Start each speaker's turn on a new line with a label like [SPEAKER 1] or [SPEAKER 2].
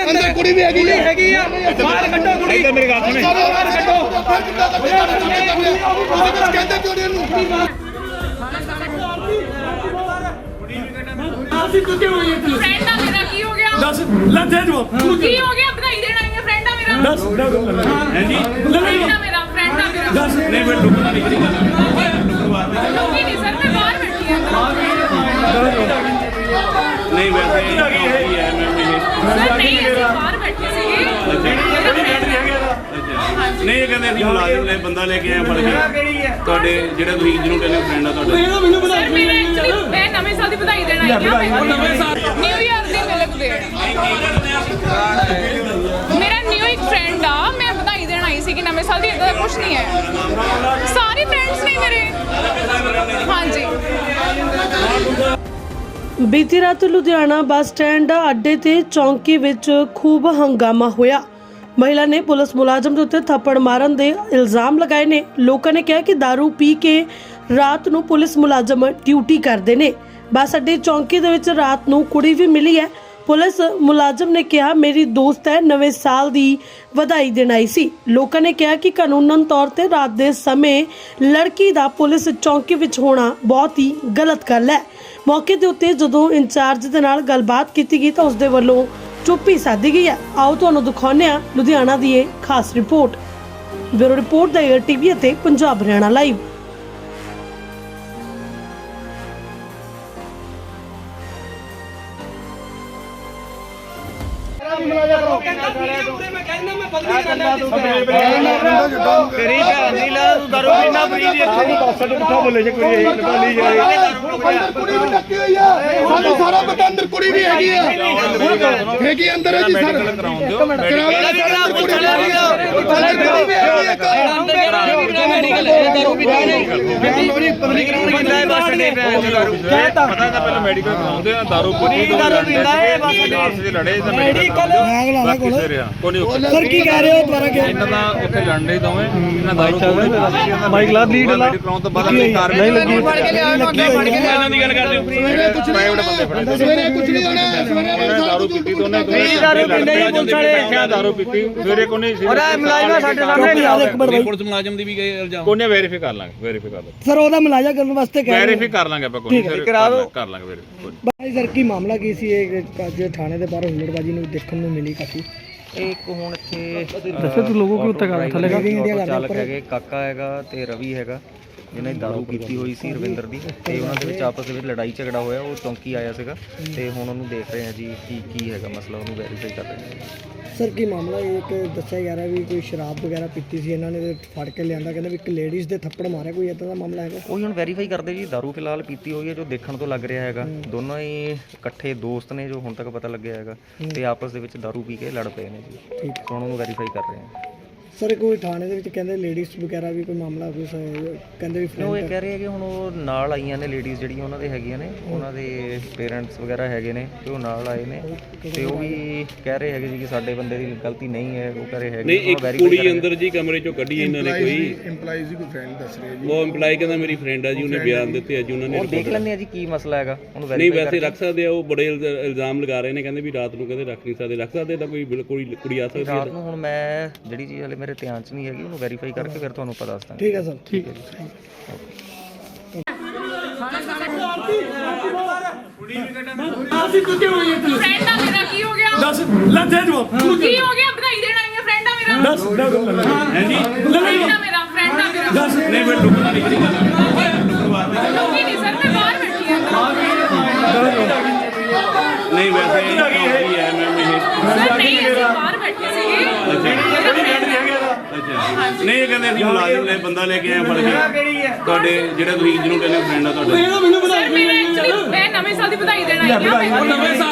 [SPEAKER 1] ਅੰਦਰ ਕੁੜੀ ਵੀ ਹੈਗੀ ਆ ਬਾਹਰ ਕੱਢੋ ਕੁੜੀ ਇੱਧਰ ਮੇਰੀ ਗੱਲ ਸੁਣੇ ਬਾਹਰ ਕੱਢੋ ਕਹਿੰਦੇ ਕਿਉਂ ਇਹਨੂੰ ਅਸੀਂ ਤੂੰ ਕਿਉਂ ਹੋਈ ਇੱਥੇ
[SPEAKER 2] ਫਰੈਂਡ ਆ ਮੇਰਾ ਕੀ ਹੋ ਗਿਆ
[SPEAKER 1] ਦੱਸ ਲੈ ਦੇ ਦੋ
[SPEAKER 2] ਕੀ ਹੋ ਗਿਆ ਵਧਾਈ ਦੇਣ ਆਈ ਆ ਫਰੈਂਡ ਆ ਮੇਰਾ
[SPEAKER 1] ਦੱਸ ਹੈ ਜੀ
[SPEAKER 2] ਫਰੈਂਡ ਆ ਮੇਰਾ
[SPEAKER 1] ਦੱਸ ਨਹੀਂ ਮੈਂ ਲੁਕਣਾ ਨਹੀਂ ਕਰੀ
[SPEAKER 2] ਲੋਕੀ ਨਹੀਂ ਸਰ ਮੈਂ ਬਾਹਰ ਬੈਠੀ ਆ
[SPEAKER 3] ਨਹੀਂ ਵੈਸੇ ਹੀ ਹੈ
[SPEAKER 2] ਸਰ ਨਹੀਂ ਅਸੀਂ ਬਾਹਰ ਬੈਠੇ ਸੀਗੇ
[SPEAKER 3] ਨਹੀਂ ਇਹ ਕਹਿੰਦੇ ਅਸੀਂ ਮੁਲਾਜ਼ਮ ਲੈ ਬੰਦਾ ਲੈ ਕੇ ਆਏ ਫੜ ਕੇ ਤੁਹਾਡੇ ਜਿਹੜਾ ਤੁਸੀਂ ਜਿਹਨੂੰ ਕਹਿੰਦੇ ਫਰੈਂਡ ਆ ਤੁਹਾਡਾ
[SPEAKER 2] ਸਰ ਮੇਰਾ ਐਕਚੁਅਲੀ ਮੈਂ ਨਵੇਂ ਸਾਲ ਦੀ ਵਧਾਈ ਦੇਣ ਆਈ ਆ ਨਿਊ ਇਅਰ ਦੀ ਮਿਲਕ ਦੇ ਮੇਰਾ ਨਿਊ ਇੱਕ ਫਰੈਂਡ ਆ ਮੈਂ ਵਧਾਈ ਦੇਣ ਆਈ ਸੀ ਕਿ ਨਵੇਂ ਸਾਲ ਦੀ ਇਦਾਂ ਦਾ ਕੁਝ ਨਹੀਂ ਹੈ ਸਾਰੇ ਫਰੈਂਡਸ ਨੇ ਮੇਰੇ ਹਾਂਜੀ
[SPEAKER 4] ਬੀਤੀ ਰਾਤ ਲੁਧਿਆਣਾ ਬੱਸ ਸਟੈਂਡ ਅੱਡੇ ਤੇ ਚੌਂਕੀ ਵਿੱਚ ਖੂਬ ਹੰਗਾਮਾ ਹੋਇਆ। ਮਹਿਲਾ ਨੇ ਪੁਲਿਸ ਮੁਲਾਜ਼ਮ ਦੇ ਉੱਤੇ ਥੱਪੜ ਮਾਰਨ ਦੇ ਇਲਜ਼ਾਮ ਲਗਾਏ ਨੇ। ਲੋਕਾਂ ਨੇ ਕਿਹਾ ਕਿ दारू ਪੀ ਕੇ ਰਾਤ ਨੂੰ ਪੁਲਿਸ ਮੁਲਾਜ਼ਮ ਡਿਊਟੀ ਕਰਦੇ ਨੇ। ਬੱਸ ਅੱਡੇ ਚੌਂਕੀ ਦੇ ਵਿੱਚ ਰਾਤ ਨੂੰ ਕੁੜੀ ਵੀ ਮਿਲੀ ਹੈ। ਪੁਲਿਸ ਮੁਲਾਜ਼ਮ ਨੇ ਕਿਹਾ ਮੇਰੀ ਦੋਸਤ ਹੈ, ਨਵੇਂ ਸਾਲ ਦੀ ਵਧਾਈ ਦੇਣ ਆਈ ਸੀ। ਲੋਕਾਂ ਨੇ ਕਿਹਾ ਕਿ ਕਾਨੂੰਨਨ ਤੌਰ ਤੇ ਰਾਤ ਦੇ ਸਮੇਂ ਲੜਕੀ ਦਾ ਪੁਲਿਸ ਚੌਂਕੀ ਵਿੱਚ ਹੋਣਾ ਬਹੁਤ ਹੀ ਗਲਤ ਗੱਲ ਹੈ। ਮੌਕੇ ਦੇ ਉੱਤੇ ਜਦੋਂ ਇੰਚਾਰਜ ਦੇ ਨਾਲ ਗੱਲਬਾਤ ਕੀਤੀ ਗਈ ਤਾਂ ਉਸ ਦੇ ਵੱਲੋਂ ਚੁੱਪੀ ਸਾਧੀ ਗਈ ਹੈ। ਆਓ ਤੁਹਾਨੂੰ ਦਿਖਾਉਂਦੇ ਹਾਂ ਲੁਧਿਆਣਾ ਦੀ ਇਹ ਖਾਸ ਰਿਪੋਰਟ। ਬਿਊਰੋ ਰਿਪੋਰਟ ਦਾ ARTV ਅਤੇ ਪੰਜਾਬ ਹਰਿਆਣਾ ਲਾਈਵ।
[SPEAKER 1] ਤੇਰੀ ਭੈਣ ਦੀ ਲਾ ਤੂੰ ਦਾਰੂ ਪੀਣਾ ਫਰੀ ਦੀ ਇੱਥੇ ਬੱਸ ਅੱਡੇ ਪੁੱਠਾ ਬੋਲੇ ਜੇ ਕੋਈ ਇਹ ਨਿਕਾਲੀ ਜਾਏ ਅੰਦਰ ਕੁੜੀ ਵੀ ਟੱਕੀ ਹੋਈ ਆ ਸਾਨੂੰ ਸਾਰਾ ਪਤਾ ਅੰਦਰ ਕੁੜੀ ਵੀ ਹੈਗੀ ਆ ਹੈਗੀ ਅੰਦਰ ਹੈ ਜੀ ਸਰ
[SPEAKER 3] ਪਤਾ ਤਾਂ ਪਹਿਲਾਂ ਮੈਡੀਕਲ ਕਰਾਉਂਦੇ ਆ ਦਾਰੂ ਪੀਤੀ ਤੋਂ ਲੜੇ ਤਾਂ ਮੈਡੀਕਲ
[SPEAKER 1] ਸਰ ਕੀ ਕਹਿ ਰਹੇ ਹੋ ਦੁਬਾਰਾ ਕਿ
[SPEAKER 3] ਇਹਨਾਂ ਦਾ ਉੱਥੇ ਲੜਨੇ ਦੋਵੇਂ ਇਹਨਾਂ ਦਾਰੂ ਪੀਤੀ
[SPEAKER 1] ਮਾਈਕ ਲਾ ਲੀਡ ਲਾ
[SPEAKER 3] ਕਰਾਉਣ ਤੋਂ ਬਾਅਦ ਆਪਣੀ ਕਾਰ ਨਹੀਂ ਲੱਗੀ ਇਹਨਾਂ ਦੀ ਗੱਲ ਕਰਦੇ ਹੋ
[SPEAKER 1] ਸਵੇਰੇ ਕੁਝ ਨਹੀਂ ਹੋਣਾ ਸਵੇਰੇ
[SPEAKER 3] ਦਾਰੂ ਪੀਤੀ ਦੋਨੇ
[SPEAKER 1] ਦਾਰੂ ਪੀਂਦੇ ਹੀ ਪੁਲਿਸ ਵਾਲੇ
[SPEAKER 3] ਦਾਰੂ ਪੀਤੀ ਸਵੇਰੇ ਕੋਨੇ ਸੀ
[SPEAKER 1] ਉਹਦਾ ਮੁਲਾਜ਼ਮ ਸਾਡੇ ਸਾਹਮਣੇ
[SPEAKER 3] ਪੁਲਿਸ ਮੁਲਾਜ਼ਮ ਦੀ ਵੀ ਗਏ ਇਲਜ਼ਾਮ ਕੋਨੇ ਵੈਰੀਫਾਈ ਕਰ ਲਾਂਗੇ
[SPEAKER 1] ਸਰ ਉਹਦਾ ਮੁਲਾਜ਼ਾ ਕਰਨ ਵਾਸਤੇ ਕਹਿ
[SPEAKER 3] ਵੈਰੀਫਾਈ ਕਰ ਲਾਂਗੇ ਆਪਾਂ ਕੋਈ ਕਰ ਲਾਂਗੇ ਵੈਰੀਫਾਈ
[SPEAKER 1] ਬਾਈ ਸਰ ਕੀ ਮਾਮਲਾ ਕੀ ਸੀ ਇਹ ਜੋ ਥਾਣੇ ਦੇ ਬਾਹਰ ਹੁੱਲੜਬਾਜੀ ਨੂੰ ਦੇਖਣ ਨੂੰ ਮਿਲੀ ਕਾਫੀ
[SPEAKER 5] ਇੱਕ ਹੁਣ ਇੱਥੇ
[SPEAKER 1] ਦੱਸੋ ਤੂੰ ਲੋਗੋ ਕਿਉਂ ਤੱਕ ਥੱਲੇ
[SPEAKER 5] ਚਾਲਕ ਹੈਗੇ ਕਾਕਾ ਹੈਗਾ ਤੇ ਰਵੀ ਹੈਗਾ ਜਿਹਨੇ ਦਾਰੂ ਪੀਤੀ ਹੋਈ ਸੀ ਰਵਿੰਦਰ ਦੀ ਤੇ ਉਹਨਾਂ ਦੇ ਵਿੱਚ ਆਪਸ ਦੇ ਵਿੱਚ ਲੜਾਈ ਝਗੜਾ ਹੋਇਆ। ਉਹ ਚੌਂਕੀ ਆਇਆ ਸੀਗਾ ਤੇ ਹੁਣ ਉਹਨੂੰ ਦੇਖ ਰਹੇ ਆ ਜੀ ਕੀ ਹੈਗਾ ਮਸਲਾ, ਉਹਨੂੰ ਵੈਰੀਫਾਈ ਕਰ ਰਹੇ ਆ।
[SPEAKER 1] ਸਰ ਕੀ ਮਾਮਲਾ ਇੱਕ ਦੱਸਿਆ ਜਾ ਰਿਹਾ ਵੀ ਕੋਈ ਸ਼ਰਾਬ ਵਗੈਰਾ ਪੀਤੀ ਸੀ ਇਹਨਾਂ ਨੇ ਫੜ ਕੇ ਲਿਆਂਦਾ, ਕਹਿੰਦੇ ਵੀ ਇੱਕ ਲੇਡੀਜ਼ ਦੇ ਥੱਪੜ ਮਾਰਿਆ, ਕੋਈ ਇਦਾਂ ਦਾ ਮਾਮਲਾ ਹੈਗਾ?
[SPEAKER 5] ਉਹੀ ਹੁਣ ਵੈਰੀਫਾਈ ਕਰਦੇ ਜੀ। ਦਾਰੂ ਫਿਲਹਾਲ ਪੀਤੀ ਹੋਈ ਹੈ ਜੋ ਦੇਖਣ ਤੋਂ ਲੱਗ ਰਿਹਾ ਹੈਗਾ। ਦੋਨੋਂ ਹੀ ਇਕੱਠੇ ਦੋਸਤ ਨੇ ਜੋ ਹੁਣ ਤੱਕ ਪਤਾ ਲੱਗਿਆ ਹੈਗਾ ਤੇ ਆਪਸ ਦੇ ਵਿੱਚ ਦਾਰੂ ਪੀ ਕੇ ਲੜ ਪਏ ਨੇ ਜੀ।
[SPEAKER 1] ਠੀਕ ਹੈ,
[SPEAKER 5] ਹੁਣ ਉਹਨੂੰ ਵੈਰੀਫਾਈ ਕਰ ਰਹੇ ਆ।
[SPEAKER 1] ਸਰ ਕੋਈ ਥਾਣੇ ਦੇ ਵਿੱਚ ਕਹਿੰਦੇ ਲੇਡੀਜ਼ ਵਗੈਰਾ ਵੀ ਕੋਈ ਮਾਮਲਾ ਕੋਈ ਕਹਿੰਦੇ ਵੀ
[SPEAKER 5] ਉਹ ਇਹ ਕਹਿ ਰਹੇ ਆ ਕਿ ਹੁਣ ਉਹ ਨਾਲ ਆਈਆਂ ਨੇ ਲੇਡੀਜ਼ ਜਿਹੜੀਆਂ ਉਹਨਾਂ ਦੇ ਹੈਗੀਆਂ ਨੇ, ਉਹਨਾਂ ਦੇ ਪੇਰੈਂਟਸ ਵਗੈਰਾ ਹੈਗੇ ਨੇ ਤੇ ਉਹ ਨਾਲ ਆਏ ਨੇ ਤੇ ਉਹ ਵੀ ਕਹਿ ਰਹੇ ਹੈਗੇ ਜੀ ਕਿ ਸਾਡੇ ਬੰਦੇ ਦੀ ਗਲਤੀ ਨਹੀਂ ਹੈ। ਉਹ ਕਹਿ ਰਹੇ ਹੈਗੇ
[SPEAKER 6] ਨਹੀਂ ਇੱਕ ਕੁੜੀ ਅੰਦਰ ਜੀ ਕਮਰੇ ਚੋਂ ਕੱਢੀ ਇਹਨਾਂ ਨੇ ਕੋਈ
[SPEAKER 7] ਇੰਪਲਾਈਜ਼ ਦੀ ਕੋਈ ਫਰੈਂਡ ਦੱਸ ਰਿਹਾ ਜੀ।
[SPEAKER 6] ਉਹ ਇੰਪਲਾਈ ਕਹਿੰਦਾ ਮੇਰੀ ਫਰੈਂਡ ਆ ਜੀ, ਉਹਨੇ ਬਿਆਨ ਦਿੱਤੇ ਆ ਜੀ ਉਹਨਾਂ ਨੇ।
[SPEAKER 5] ਉਹ ਦੇਖ ਲੈਂਦੇ ਆ ਜੀ ਕੀ ਮਸਲਾ ਹੈਗਾ ਉਹਨੂੰ
[SPEAKER 6] ਨਹੀਂ ਵੈਸੇ ਰੱਖ ਸਕਦੇ ਆ, ਉਹ ਬੜੇ ਇਲਜ਼ਾਮ ਲਗਾ ਰਹੇ ਨੇ, ਕਹਿੰਦੇ ਵੀ ਰਾਤ ਨੂੰ ਕਹਿੰਦੇ ਰੱਖ ਨਹੀਂ ਸਕਦੇ। ਰੱਖ ਸਕਦੇ ਤਾਂ ਕੋਈ ਬਿਲਕੁਲ ਕੁੜੀ ਆ ਸਕਦੀ
[SPEAKER 5] ਰਾਤ ਨੂੰ। ਹੁਣ ਮੈਂ ਜਿਹੜੀ ਚੀਜ਼ ਹਲੇ ਮੇਰੇ ਧਿਆਨ 'ਚ ਨਹੀਂ ਹੈਗੀ, ਉਹਨੂੰ ਵੈਰੀਫਾਈ ਕਰਕੇ ਫਿਰ ਤੁਹਾਨੂੰ ਪਤਾ ਦੱਸ ਦਾਂਗੇ।
[SPEAKER 1] ਠੀਕ ਹੈ ਸਰ, ਠੀਕ ਹੈ ਜੀ।
[SPEAKER 2] ਫਰੈਂਡ ਆ ਮੇਰਾ ਕੀ ਹੋ ਗਿਆ
[SPEAKER 1] ਦੱਸ ਲੈ ਦੇ ਦੋ
[SPEAKER 2] ਕੀ ਹੋ ਗਿਆ ਵਧਾਈ ਦੇਣ ਆਈ ਆ ਫਰੈਂਡ ਆ ਮੇਰਾ
[SPEAKER 1] ਦੱਸ
[SPEAKER 3] ਹੈ ਜੀ
[SPEAKER 2] ਫਰੈਂਡ ਆ ਮੇਰਾ
[SPEAKER 1] ਦੱਸ
[SPEAKER 3] ਨਹੀਂ ਮੈਂ ਲੁਕਣਾ ਨਹੀਂ ਕਰੀ
[SPEAKER 2] ਲੋਕੀ ਨਹੀਂ ਸਰ ਮੈਂ ਬਾਹਰ ਬੈਠੀ ਆ
[SPEAKER 3] ਨਹੀਂ ਵੈਸੇ ਹੀ ਹੈ
[SPEAKER 2] ਸਰ ਨਹੀਂ ਅਸੀਂ ਬਾਹਰ ਬੈਠੇ ਸੀਗੇ
[SPEAKER 3] ਨਹੀਂ ਇਹ ਕਹਿੰਦੇ ਅਸੀਂ ਮੁਲਾਜ਼ਮ ਲੈ ਬੰਦਾ ਲੈ ਕੇ ਆਏ ਫੜ ਕੇ ਤੁਹਾਡੇ ਜਿਹੜਾ ਤੁਸੀਂ ਜਿਹਨੂੰ ਕਹਿੰਦੇ ਫਰੈਂਡ ਆ ਤੁਹਾਡਾ
[SPEAKER 2] ਸਰ ਮੇਰਾ ਐਕਚੁਅਲੀ ਮੈਂ ਨਵੇਂ ਸਾਲ ਦੀ ਵਧਾਈ ਦੇਣ ਆਈ ਆ